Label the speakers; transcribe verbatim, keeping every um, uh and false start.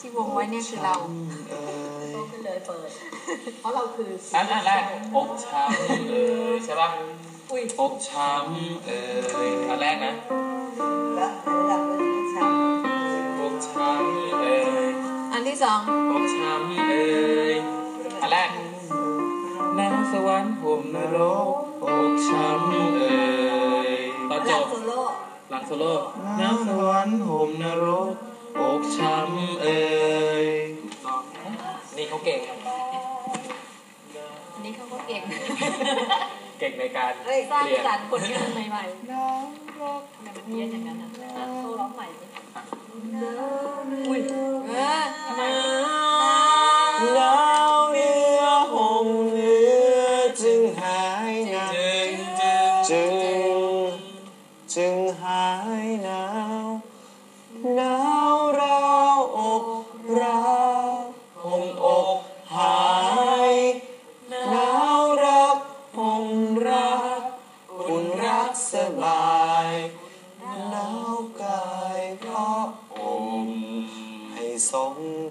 Speaker 1: ที่วงไว้เนี่ยคือเรา
Speaker 2: โตขึ้นเลยเปิดเพราะเราคือ
Speaker 3: อันแรกอกช้ำเอ่ยใช่ป่ะอกช้ำเอ่ยอันแรกนะ
Speaker 2: แล้วระดับอกช้
Speaker 3: ำอกช้ำเอ่ย
Speaker 1: อันที่สอง
Speaker 3: อกช้ำเอ่ยอันแรกน้ำสวรรค์ห่มนรกอกช้ำเอ่ยตอนจบหลังโซโล่น้ำสวรรค์ห่มนรกอกช้ำเอ่ยนี่เขาเก่ง
Speaker 1: นี่เขาก็เก่ง
Speaker 3: เก่งในการ
Speaker 1: สร้างสรรค์ผลงานใหม่ๆน้ำรกทำไมมันเพี้ยนอย่างนั้นอ่ะเขาร้องใหม่อุ้ยเออทำไม
Speaker 3: น้ำเนื้อห่มเนื้อจึงหายหนาวจึงจึงหายหนาวหนาวราวอกราวห่มอกหายหนาวรักห่มรักอุ่นรักสบายหนาวกายเพราะอมให้สม